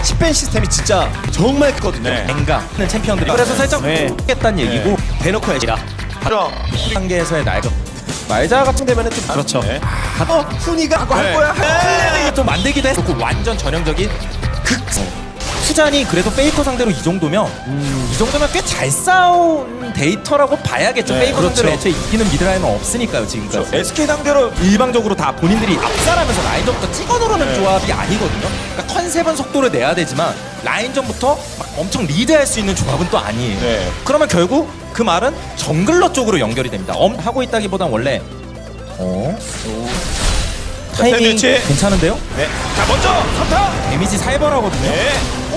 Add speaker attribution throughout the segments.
Speaker 1: 10밴 시스템이 진짜 정말 크거든요.
Speaker 2: 네.
Speaker 3: 뱅가는 챔피언들이 그래서 살짝 했다는 얘기고
Speaker 1: 대놓고 해지라.
Speaker 2: 그럼
Speaker 3: 단계에서의 날개
Speaker 1: 말자 같은 데면은 좀
Speaker 3: 그렇죠.
Speaker 2: 네.
Speaker 1: 훈이가
Speaker 2: 할 거야.
Speaker 3: 클랜을 이게 좀 만들기도 했고 완전 전형적인 극 수잔이 그래도 페이커 상대로 이 정도면 이 정도면 꽤 잘 싸운 데이터라고 봐야겠죠.
Speaker 2: 네,
Speaker 3: 페이커 상대로
Speaker 1: 그렇죠.
Speaker 3: 애초에 이기는 미드라인은 없으니까요 지금까지.
Speaker 2: SK 상대로
Speaker 3: 일방적으로 다 본인들이 압살하면서 라인전부터 찍어 누르는 조합이 아니거든요. 그러니까 컨셉은 속도를 내야 되지만 라인전부터 막 엄청 리드할 수 있는 조합은 또 아니에요.
Speaker 2: 네.
Speaker 3: 그러면 결국 그 말은 정글러 쪽으로 연결이 됩니다. 하고 있다기보단 원래 타이밍
Speaker 2: 샌드위치.
Speaker 3: 괜찮은데요?
Speaker 2: 네. 자 먼저 3타.
Speaker 3: 데미지 살벌하거든요.
Speaker 2: 네.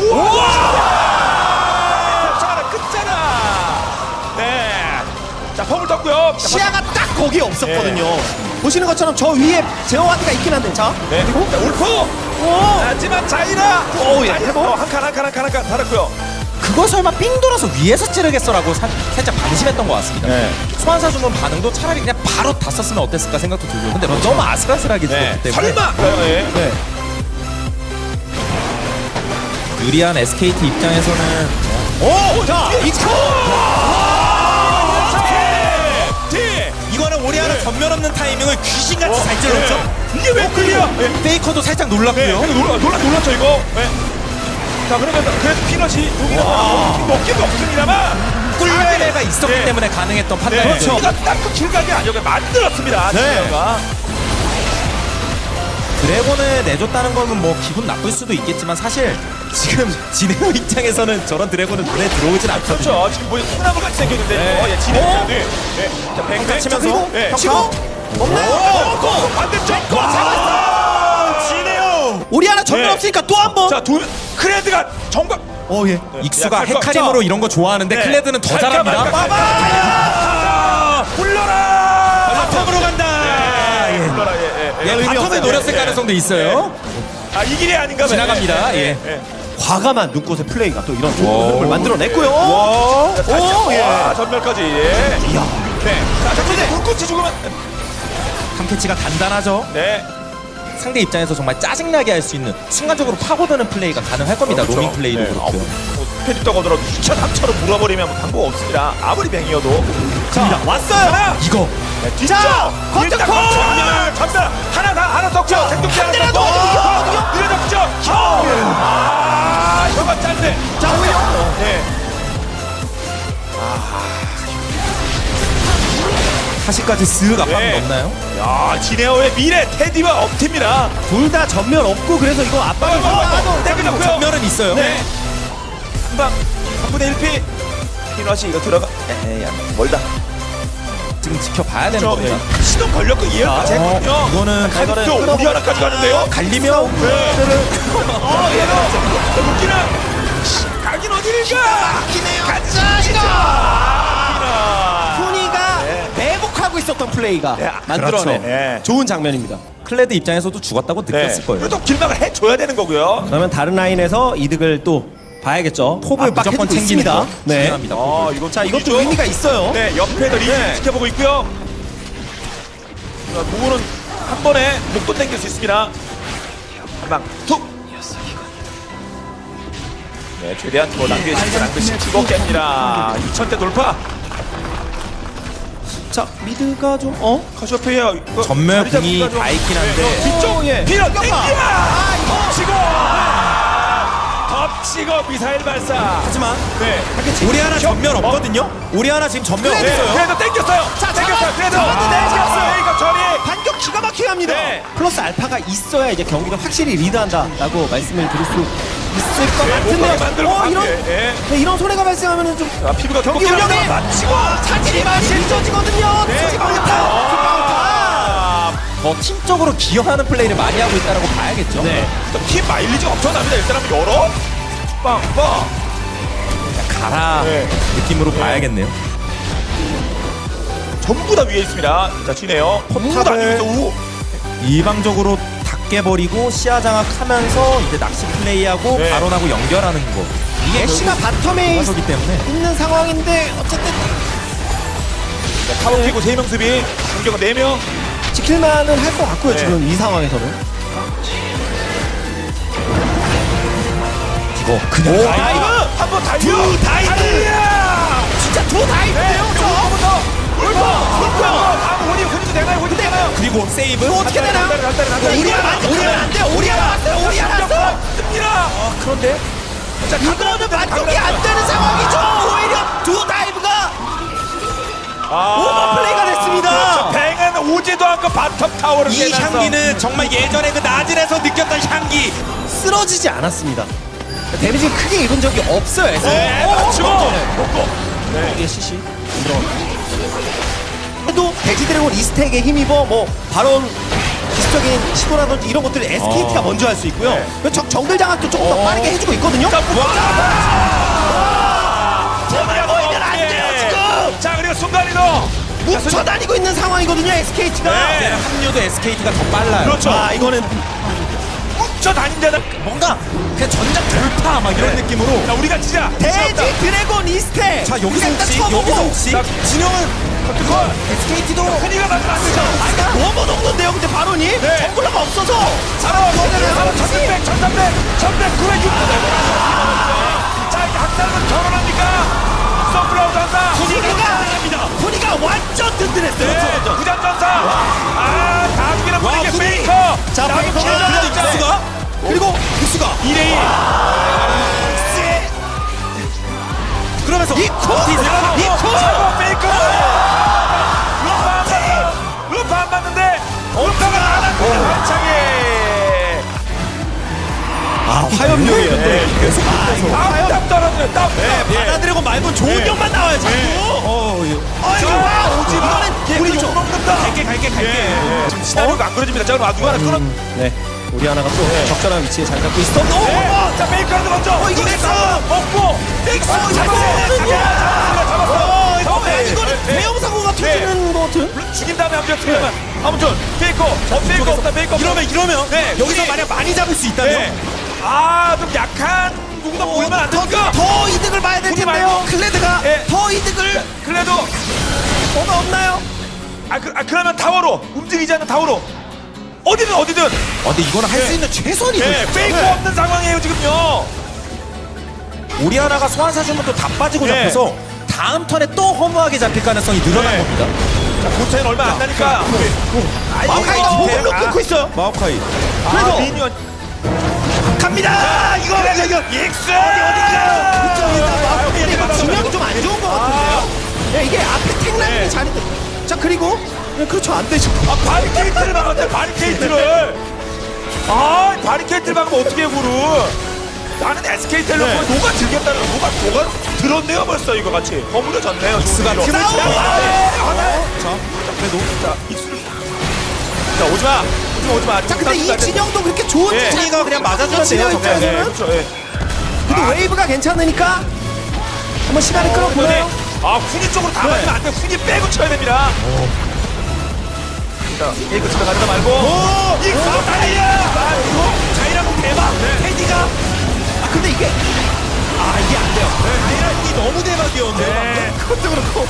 Speaker 2: 우와! 끝잖아, 끝잖아. 네. 자, 펌을 떴고요.
Speaker 1: 시야가 딱 거기에 없었거든요. 보시는 것처럼 저 위에 제어와드가 있긴 한데 자
Speaker 2: 네.
Speaker 1: 그리고
Speaker 2: 자, 울프. 하지만 자이라.
Speaker 1: 오, 예.
Speaker 2: 한 칸 달았고요.
Speaker 3: 그거 설마 삥 돌아서 위에서 찌르겠어라고 살짝 방심했던 것 같습니다.
Speaker 2: 네.
Speaker 3: 소환사 주문 반응도 차라리 그냥 바로 다 썼으면 어땠을까 생각도 들고 근데 너무 아슬아슬하게 죽었기 때문에
Speaker 2: 설마. 네.
Speaker 3: 네. 유리한 SKT 입장에서는
Speaker 2: 오, 자, 이코.
Speaker 3: 이거는 오리아나 전면 없는 타이밍을 귀신같이 잘 찔렀죠.
Speaker 2: 이게 왜 끌려?
Speaker 3: 페이커도 살짝
Speaker 2: 네,
Speaker 3: 놀랐고요.
Speaker 2: 놀랐죠 이거. 네. 자, 그러면서 그래도 피넛이 먹기도 없습니다만
Speaker 3: 꿀레가 있었기
Speaker 2: 네.
Speaker 3: 때문에 가능했던 판단이죠.
Speaker 2: 그렇죠. 이거 딱그 길가게 안정을 만들었습니다. 진영이가.
Speaker 3: 드래곤을 내줬다는 거는 뭐 기분 나쁠 수도 있겠지만 사실 지금 진에어 입장에서는 저런 드래곤은 눈에 들어오진 않거든요.
Speaker 2: 그렇죠. 지금 뭐 소나무 같이 생겼는데.
Speaker 3: 네.
Speaker 2: 예, 진행. 네. 네. 자, 뱅뱅
Speaker 3: 치면서
Speaker 2: 네.
Speaker 1: 치고
Speaker 2: 없나요? 반대쪽. 잡았어. 진해요.
Speaker 1: 우리 하나 전면
Speaker 2: 네.
Speaker 1: 없으니까 또 한 번.
Speaker 2: 자, 크레드가 정말
Speaker 3: 예. 익수가
Speaker 2: 야, 갈 거.
Speaker 3: 헤카림으로 이런 거 좋아하는데
Speaker 2: 네.
Speaker 3: 클레드는 더
Speaker 2: 갈까
Speaker 3: 잘합니다.
Speaker 2: 말까. 달려! 불러라.
Speaker 3: 바텀으로 간다.
Speaker 2: 예. 불러라.
Speaker 3: 예, 바텀을 노렸을 가능성도 있어요.
Speaker 2: 아, 이 길이 아닌가 봐요.
Speaker 3: 지나갑니다. 예.
Speaker 1: 과감한 눈꽃의 플레이가 또 이런 좋은 흐름을 만들어냈고요.
Speaker 2: 오,
Speaker 1: 예.
Speaker 2: 와, 전멸까지. 예.
Speaker 1: 이야.
Speaker 2: 네. 자, 근데 물꽃이 죽으면
Speaker 3: 탐캐치가 단단하죠.
Speaker 2: 네.
Speaker 3: 상대 입장에서 정말 짜증나게 할 수 있는 순간적으로 파고드는 플레이가 가능할 겁니다.
Speaker 2: 그렇죠.
Speaker 3: 로밍 플레이도
Speaker 2: 네.
Speaker 3: 그렇고요.
Speaker 2: 패디 떠거더라도 2차, 3차로 물어버리면 뭐 방법 없습니다. 아무리 뱅이어도.
Speaker 1: 자, 왔어요.
Speaker 2: 하나.
Speaker 3: 이거
Speaker 2: 네, 뒤쪽.
Speaker 1: 자,
Speaker 2: 일단
Speaker 1: 컨트롤!
Speaker 2: 전멸. 하나 떴죠. 생존기 하나
Speaker 1: 대라도
Speaker 2: 떴고. 느려졌죠. 아, 이거가 짠데.
Speaker 1: 자, 오히려
Speaker 2: 네.
Speaker 3: 사실까지 쓱 압박
Speaker 2: 네.
Speaker 3: 넣나요?
Speaker 2: 야, 지네어의 미래 테디와 업티입니다.
Speaker 1: 둘 다 전면 없고 그래서 이거 압박을
Speaker 2: 땡겨졌고요.
Speaker 3: 전면은 있어요.
Speaker 2: 네. 한방 3분의 1피. 피넛이 이거 들어가. 에이, 멀다.
Speaker 3: 지금 지켜봐야 되는
Speaker 2: 저,
Speaker 3: 겁니다.
Speaker 2: 시동 걸렸고 이해까지 했거든요.
Speaker 3: 이거는
Speaker 2: 칼도 우리 하나까지 가는데요.
Speaker 3: 갈리면
Speaker 2: 네. 얘는 웃기나. 가긴 어디를가.
Speaker 1: 막히네요.
Speaker 2: 가자 이거.
Speaker 1: 훈이가 매복하고 있었던 플레이가
Speaker 2: 네,
Speaker 1: 만들어낸
Speaker 3: 그렇죠.
Speaker 2: 네.
Speaker 1: 좋은 장면입니다.
Speaker 3: 클레드 입장에서도 죽었다고 느꼈을 거예요.
Speaker 2: 그래도 길막을 해줘야 되는 거고요.
Speaker 1: 그러면 다른 라인에서 이득을 또 봐야겠죠.
Speaker 3: 톱을
Speaker 1: 압박해주고
Speaker 3: 무조건 챙기는
Speaker 1: 있습니다.
Speaker 3: 거
Speaker 1: 네.
Speaker 3: 중요합니다.
Speaker 2: 이거
Speaker 1: 자, 이것도 의미가 있어요.
Speaker 2: 네, 옆에서 리즈 지켜보고 있고요. 무구는 한 번에 목도 당길 수 있습니다. 한방 툭. 네, 최대한 더 낭비시키지 낭비시키고 깹니다. 2000대 돌파.
Speaker 1: 자, 미드가 좀
Speaker 2: 커쇼페이어
Speaker 3: 전멸 궁이 다 있긴 한데
Speaker 2: 뒤쪽
Speaker 1: 예.
Speaker 2: 피넛 땡기야. 덮치고 미사일 발사.
Speaker 3: 하지만
Speaker 2: 네,
Speaker 3: 우리 하나 전면 없거든요. 우리 하나 지금 전면
Speaker 2: 네,
Speaker 3: 없어요.
Speaker 2: 그래도 땡겼어요.
Speaker 1: 자,
Speaker 2: 땡겼어요. 그래도
Speaker 1: 잡았는데,
Speaker 2: 땡겼어요. 이거 처리.
Speaker 1: 반격 기가 막히게 합니다.
Speaker 2: 네.
Speaker 1: 플러스 알파가 있어야 이제 경기가 확실히 리드한다라고 말씀을 드릴 수 있을 것
Speaker 2: 못 만들고
Speaker 1: 같은데요. 이런
Speaker 2: 네.
Speaker 1: 이런 소리가 발생하면 좀
Speaker 2: 아, 피부가
Speaker 1: 경기 운영에
Speaker 2: 맞히고
Speaker 1: 차질이 많이 빚어지거든요.
Speaker 2: 네.
Speaker 3: 더 팀적으로 기여하는 플레이를 많이 하고 있다라고 봐야겠죠.
Speaker 1: 네.
Speaker 2: 팀 마일리지가 엄청납니다. 일단 한번 열어. 빵빵.
Speaker 3: 가라
Speaker 2: 네.
Speaker 3: 느낌으로 봐야겠네요.
Speaker 2: 전부 다 위에 있습니다. 자, 지네요. 탑 아니면서 우.
Speaker 3: 일방적으로 다 깨버리고 시야 장악하면서 이제 낚시 플레이하고
Speaker 2: 네.
Speaker 3: 바론하고 연결하는 거. 이게
Speaker 1: 애쉬가 바텀에
Speaker 3: 가서기 때문에
Speaker 1: 있는 상황인데 어쨌든
Speaker 2: 타워 끼고 3명 수비. 공격은 4명.
Speaker 1: 지킬만은 할 것 같고요.
Speaker 2: 네.
Speaker 1: 지금 이 상황에서는
Speaker 3: 이거 그냥
Speaker 2: 오,
Speaker 3: 다이브.
Speaker 2: 다이브! 한번 다이브!
Speaker 3: 두 다이브!
Speaker 2: 진짜 두 다이브예요, 저거부터! 울퍼! 다음 혼이도 되나요? 혼이 되나요?
Speaker 3: 그리고 세이브.
Speaker 1: 어떻게 되나요? 오리아나 안 돼요. 오리아나 왔어요. 오리아나 왔어.
Speaker 2: 습니다 그런데? 자,
Speaker 1: 이거는 만족이 안 되는 상황이죠. 오히려 두 다이브가 오버플레이가 됐습니다.
Speaker 2: 그렇죠. 뱅은 오지도 않고 바텀 타워를
Speaker 3: 이
Speaker 2: 깨면서.
Speaker 3: 향기는 정말 예전에 그 나질에서 느꼈던 향기.
Speaker 1: 쓰러지지 않았습니다. 데미지 크게 입은 적이 없어요.
Speaker 2: 네, 맞죠.
Speaker 1: 이게 CC 그래도 돼지드래곤 이스택에 힘입어 뭐 바론 기술적인 시도라든지 이런 것들 SKT가 먼저 할 수 있고요. 정글 장악도 조금 더 빠르게 해주고 있거든요.
Speaker 2: 제발
Speaker 1: 보이면 안 돼요, 지금!
Speaker 2: 자, 그리고 순간이동.
Speaker 1: 뭉쳐 다니고 있는 상황이거든요. SKT가.
Speaker 2: 네.
Speaker 3: 합류도 SKT가 더 빨라요.
Speaker 2: 그렇죠.
Speaker 1: 아 이거는
Speaker 2: 저 다닌 데는
Speaker 3: 뭔가 그냥 전작 돌파 막 이런
Speaker 2: 네.
Speaker 3: 느낌으로.
Speaker 2: 자, 우리가 진짜
Speaker 1: 돼지 드래곤 이스택.
Speaker 3: 자 여기서
Speaker 1: 일단
Speaker 3: 혹시
Speaker 1: 쳐보고.
Speaker 3: 여기서 혹시
Speaker 2: 자,
Speaker 3: 진영은
Speaker 2: 그걸
Speaker 3: SKT도
Speaker 2: 흔히가 맞으면 안 되죠.
Speaker 1: 아, 이거 너무 녹는데요. 근데 바론이
Speaker 2: 네.
Speaker 1: 정글러가 없어서.
Speaker 2: 바로 1300, 1300, 1100, 900, 600. 자, 이제 학살은 결혼합니까? 서플라우드 한다.
Speaker 1: 분위가 완전 든든했어요.
Speaker 2: 네, 부장전사. 아, 다음기는
Speaker 3: 와,
Speaker 2: 분위기
Speaker 3: 분위기.
Speaker 2: 페이커.
Speaker 1: 자, 페이커가
Speaker 3: 그래도 익수가 그리고 익수가
Speaker 2: 2대1.
Speaker 3: 그러면서
Speaker 2: 이코 페이커. 루파 안 맞는데. 루파가 안 맞는데. 한창에.
Speaker 1: 아 화염용이에요.
Speaker 2: 계속 땀 떨어져요. 땀.
Speaker 1: 받아들이고 말고 좋은 욕만 나와요. 자꾸.
Speaker 2: 오지 마. 우리
Speaker 1: 그렇죠.
Speaker 2: 욕 먹는다. 갈게. 지금 시나리오가 안 그려집니다. 자, 그럼 누가 하나 끊어.
Speaker 1: 네. 우리 하나가 또 적절한 위치에 잘 잡고 있어.
Speaker 2: 네. 자, 페이커한테 먼저.
Speaker 1: 이거 넥스!
Speaker 2: 먹고. 넥스 잡았어.
Speaker 1: 이거는 대형 사고가 터지는 것 같은.
Speaker 2: 죽인 다음에 한번 틀려면 아무튼 페이커 없다 페이커
Speaker 3: 이러면
Speaker 2: 네,
Speaker 3: 여기서
Speaker 2: 우리-
Speaker 3: 만약 많이 잡을 수 있다면
Speaker 2: 네. 아좀 약한 누구나 몰면 안 되니까
Speaker 1: 더 이득을 봐야 될
Speaker 2: 우리
Speaker 1: 텐데요.
Speaker 2: 말고.
Speaker 1: 클레드가
Speaker 2: 네.
Speaker 1: 더 이득을
Speaker 2: 그래도
Speaker 1: 뭐가 없나요?
Speaker 2: 그러면 타워로 움직이지 않는 타워로 어디든
Speaker 3: 근데 이거는 할 수 있는 최선이죠.
Speaker 2: 네, 페이커 없는 상황이에요 지금요.
Speaker 3: 오리아나가 소환사 주문도 다 빠지고
Speaker 2: 네.
Speaker 3: 잡혀서 다음 턴에 또 허무하게 잡힐 가능성이 늘어난
Speaker 2: 네.
Speaker 3: 겁니다.
Speaker 2: 자, 고차는 얼마 안 나니까
Speaker 1: 마오카이가 호흡로 끊고 있어요.
Speaker 3: 마오카이.
Speaker 1: 그래도
Speaker 2: 미니언
Speaker 1: 갑니다. 이거
Speaker 2: 익스
Speaker 1: 마오카이가 진영이 좀 안 좋은 것 같은데요. 네, 이게 앞에 탱라인이
Speaker 2: 네.
Speaker 1: 잘했대. 자 그리고 그렇죠 안 되죠.
Speaker 2: 바리케이트를 막았대 바리케이트를 바리케이트를 막으면 어떻게 해요 구를. 나는 SK텔레콤
Speaker 1: 네.
Speaker 2: 녹아 들겠다는 녹아 들었네요 벌써 이거 같이 버무려졌네요.
Speaker 3: 익스가
Speaker 2: 좋은
Speaker 3: 틈을
Speaker 2: 일로.
Speaker 3: 잘
Speaker 2: 자, 그래도 자 익수를 자 오지마.
Speaker 1: 자 근데 이 진영도 그렇게 좋은
Speaker 2: 예.
Speaker 3: 진이가 그냥 맞아주면 돼요, 정말.
Speaker 2: 네,
Speaker 1: 입장에서는
Speaker 2: 그렇죠. 예.
Speaker 1: 그래도 웨이브가 괜찮으니까 한번 시간을 끌어보나요?
Speaker 2: 훈이 쪽으로 다 맞으면 안 돼. 훈이 빼고 쳐야 됩니다. 자, 이거 집에 가지다 말고. 익수 달려.
Speaker 3: 자이라고 대박. 테디가
Speaker 1: 근데 이게 이게 안 돼요.
Speaker 3: 자이라이 너무 대박이었는데.
Speaker 2: 네.
Speaker 1: 그것도 그렇고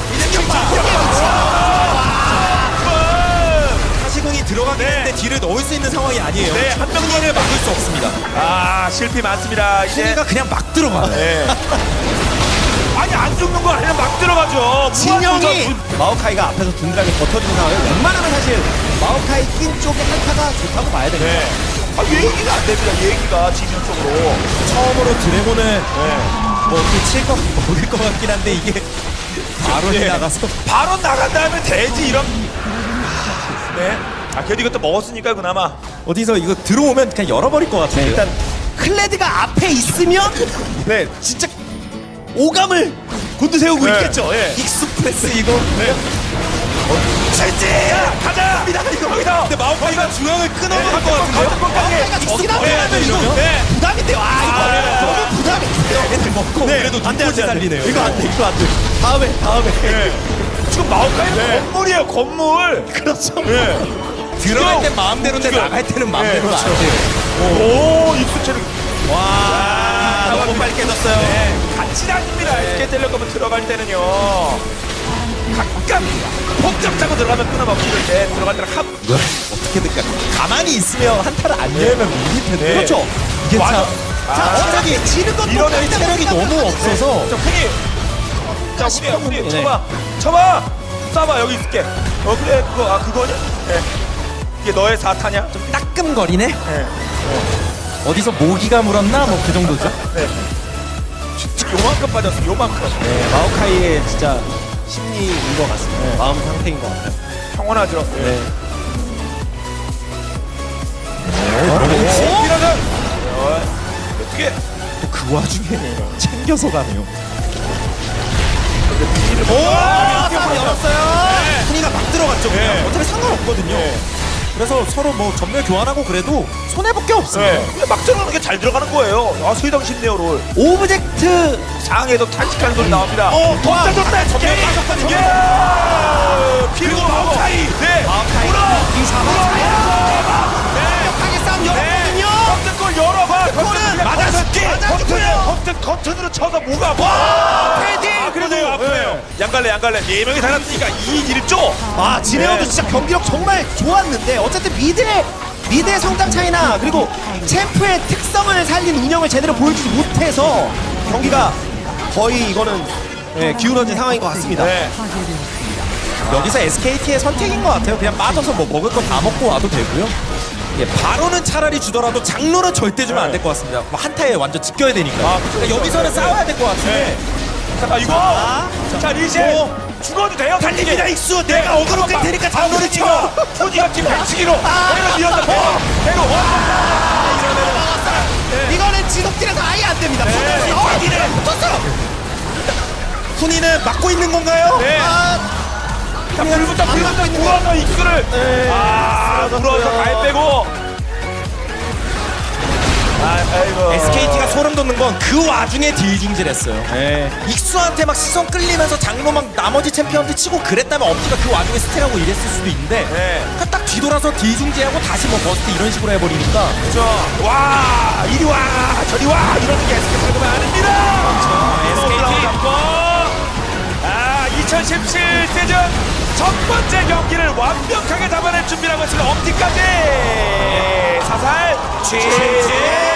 Speaker 3: 사시궁이 들어가긴
Speaker 2: 네.
Speaker 3: 했는데 딜을 넣을 수 있는 상황이 아니에요.
Speaker 2: 네, 한
Speaker 3: 명만을 막을 수 없습니다.
Speaker 2: 실패 많습니다. 이제.
Speaker 3: 테디가 그냥 막 들어가요.
Speaker 2: 네. 아니 안 죽는 거 아니라 막 들어가죠.
Speaker 1: 진영이 마오카이가 앞에서 든든하게 버텨주는 상황을 웬만하면 사실 마오카이 낀 쪽에 한타가 좋다고 봐야 됩니다.
Speaker 2: 네. 얘기가 안 됩니다. 얘기가 진영 쪽으로.
Speaker 3: 처음으로 드래곤을
Speaker 2: 네.
Speaker 3: 뭐칠거 먹을 것 같긴 한데 이게 바로
Speaker 2: 예.
Speaker 3: 나가서
Speaker 2: 바로 나간 다음에 돼지 이런. 네. 그래도 이것도 먹었으니까 그나마.
Speaker 3: 어디서 이거 들어오면 그냥 열어버릴 것 같아요.
Speaker 1: 일단 클레드가 앞에 있으면
Speaker 2: 네.
Speaker 1: 진짜 오감을 곤두세우고
Speaker 2: 네.
Speaker 1: 있겠죠. 예.
Speaker 3: 익스프레스 이거.
Speaker 2: 네. 자, 가자. 이거 여기다.
Speaker 3: 근데 마오카이가 중앙을 끊어버릴 것
Speaker 2: 같은데요?
Speaker 1: 마오카이가 저기다 하면 이거
Speaker 2: 네.
Speaker 1: 부담인데요. 이거 너무 부담인데요.
Speaker 3: 애들 먹고 그래도
Speaker 1: 안 돼, 안 돼, 안 돼.
Speaker 3: 살리네요.
Speaker 1: 이거 안 돼, 이거 안 돼. 다음에.
Speaker 2: 네. 지금 마오카이 건물이에요, 건물.
Speaker 1: 그렇죠.
Speaker 2: 네.
Speaker 3: 들어갈 땐 마음대로인데 나갈 때는 마음대로는
Speaker 2: 그렇죠.
Speaker 3: 안 돼요.
Speaker 2: 오, 익수체를.
Speaker 3: 와, 너무 빨리 깨졌어요.
Speaker 2: 네. 같이 다닙니다. SK텔레콤은 들어갈 때는요. 가끔 폭접 잡고 들어가면 끊어먹기를 때 들어갈 때는 합.
Speaker 3: 어떻게든 가만히 있으면 한타를 안 열면 밀릴 텐데.
Speaker 1: 그렇죠.
Speaker 3: 이게
Speaker 2: 맞아.
Speaker 3: 참
Speaker 1: 어차피 지는 것도
Speaker 2: 이러네.
Speaker 3: 체력이 너무 없어서
Speaker 2: 자, 훈이. 자, 훈이야, 훈이.
Speaker 3: 네.
Speaker 2: 쳐봐. 쳐봐. 쏴봐, 여기 있을게. 그래, 그거냐? 네. 이게 너의 4타냐?
Speaker 3: 좀 따끔거리네.
Speaker 2: 네.
Speaker 3: 어디서 모기가 물었나 뭐 그 정도죠.
Speaker 2: 지금 요만큼 빠졌어, 요만큼.
Speaker 1: 네, 마오카이의 진짜 심리인 것 같습니다. 마음 상태인 것 같아요.
Speaker 2: 평온하죠.
Speaker 1: 네.
Speaker 2: 이러면 어떻게
Speaker 3: 또 그 와중에 챙겨서 가네요.
Speaker 1: 싸움 열었어요. 훈이가 막 들어갔죠. 그냥.
Speaker 2: 네.
Speaker 3: 어차피 상관없거든요. 그래서 서로 뭐 전멸 교환하고 그래도 손해 볼 게 없어요.
Speaker 2: 네. 막 들어가는 게 잘 들어가는 거예요. 아, 소희당 쉽네요, 롤.
Speaker 1: 오브젝트
Speaker 2: 상에도 탄식하는 소리 나옵니다.
Speaker 1: 와,
Speaker 2: 졌다, 졌다,
Speaker 1: 전멸
Speaker 2: 졌다.
Speaker 1: 빠졌거든요.
Speaker 2: 그리고 마오카이. 네.
Speaker 1: 마오카이 이 강하게 싸움 열었거든요.
Speaker 2: 버튼골 열어봐.
Speaker 1: 버튼을 맞아줄게.
Speaker 2: 버튼으로 쳐서 뭐가 와.
Speaker 1: 헤딩.
Speaker 2: 그래도 아프네요. 양갈래 4명이 달았으니까 2인 1조.
Speaker 1: 아 진에어도
Speaker 2: 네.
Speaker 1: 진짜 경기력 정말 좋았는데 어쨌든 미드의 성장 차이나 그리고 챔프의 특성을 살린 운영을 제대로 보여주지 못해서 경기가 거의 이거는 기울어진 상황인 것 같습니다.
Speaker 2: 네.
Speaker 3: 여기서 SKT의 선택인 것 같아요. 그냥 빠져서 뭐 먹을 거 다 먹고 와도 되고요. 예, 바로는 차라리 주더라도 장로는 절대 주면 안 될 것 같습니다. 뭐 한타에 완전 지켜야 되니까. 그러니까 여기서는 싸워야 될 것 같은데.
Speaker 2: 잠깐 이거. 자 리제. 죽어도 돼요. 달립니다 익수. 내가 어그로 끌 테니까 장로를 찍어. 후지가 지금 100치기로. 내가 밀었다. 대로.
Speaker 1: 이거는 지속딜에서 아예 안 됩니다. 붙었어요.
Speaker 3: 훈이는 막고 있는 건가요?
Speaker 2: 네. 자, 불부터 물어서 익수를. 물어서 갈 빼고. 아이고.
Speaker 3: SKT가 소름 돋는 건 그 와중에 딜중질했어요. 익수한테 막 시선 끌리면서 장로 막 나머지 챔피언들 치고 그랬다면 엄지가 그 와중에 스틸하고 이랬을 수도 있는데
Speaker 2: 네.
Speaker 3: 그냥 딱 뒤돌아서 딜중질하고 다시 뭐 버스트 이런 식으로 해버리니까
Speaker 2: 그렇죠. 와, 이리 와, 저리 와, 이러는 게 SK 팔고는 아닙니다.
Speaker 3: SKT.
Speaker 2: 2017 시즌 첫 번째 경기를 완벽하게 잡아낼 준비라고 했습니다. 엄지까지 사살 취재.